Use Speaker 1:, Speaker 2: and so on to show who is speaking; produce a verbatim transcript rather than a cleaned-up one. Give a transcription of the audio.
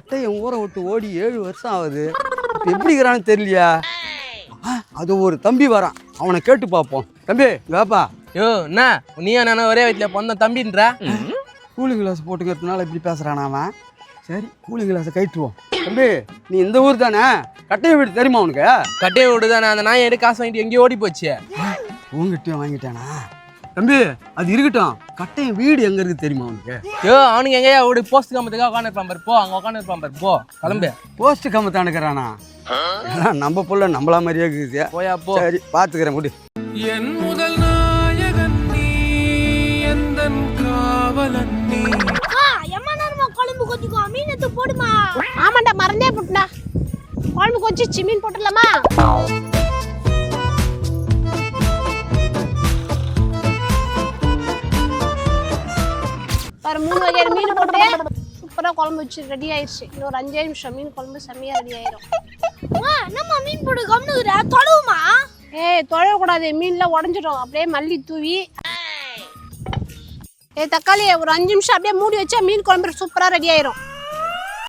Speaker 1: கட்டையை ஊற விட்டு ஓடி ஏழு வருஷம் ஆகுது. இப்போ எப்படி இருக்கிறான்னு தெரியலையா? அது ஒரு தம்பி வரான், அவனை கேட்டு பார்ப்போம். தம்பி வேப்பா.
Speaker 2: யோ என்ன நீயா நானா ஒரே வீட்டில் பொண்ண தம்பின்ற?
Speaker 1: கூலிங் கிளாஸ் போட்டுக்கிறதுனால இப்படி பேசுகிறான் அவன். சரி கூலிங் கிளாஸை கைட்டுவோம். தம்பி நீ இந்த ஊர் தானே? கட்டையை வீடு தெரியுமா உனக்கு?
Speaker 2: கட்டையை விடு தானே, அந்த நாயை எடுத்து காசு வாங்கிட்டு எங்கேயோ ஓடி போச்சு.
Speaker 1: உங்ககிட்டயும் வாங்கிட்டானா? தம்பி அது இருக்கட்டும், கட்டையை வீடு எங்க இருக்கு தெரியுமா உனக்கு?
Speaker 2: யோ அவனுக்கு எங்கேயா ஓடி போஸ்ட் கம்பத்துக்காக உட்காந்து இருப்பான் பாரு, போ அங்கே உட்காந்து இருப்பான் பாரு, போ கிளம்பு.
Speaker 1: போஸ்ட் கம்பத்தானுக்கிறானா? நம்ம புள்ள நம்மளா மாதிரியே இருக்குது.
Speaker 2: போயா போ.
Speaker 1: சரி பாத்துக்கிறேன் முடி.
Speaker 3: என் முதல் நாயகன் நீ, எந்தன் காவலன் நீ.
Speaker 4: எம்மா நேரமா குழம்பு கொஞ்சிக்கோ, மீன் எடுத்து போடுமா.
Speaker 5: ஆமாண்டா மறந்தே போட்டுடா. குழம்பு கொஞ்சிச்சு மீன் போட்டுடலாமா? பாரு மூணு வகையான மீன் போட்டு சூப்பராக குழம்பு வச்சு ரெடி ஆயிடுச்சு. இன்னொரு அஞ்சே நிமிஷம் மீன் குழம்பு செம்மையாக ரெடி ஆயிரும்.
Speaker 4: நம்ம மீன் போடு கம்னுக்குற தொழுவுமா?
Speaker 5: ஏய் தொழக்கூடாது, மீன்லாம் உடஞ்சிடும். அப்படியே மல்லி தூவி ஏ தக்காளி ஒரு அஞ்சு நிமிஷம் அப்படியே மூடி வச்சா மீன் குழம்பு சூப்பராக ரெடி ஆயிரும்.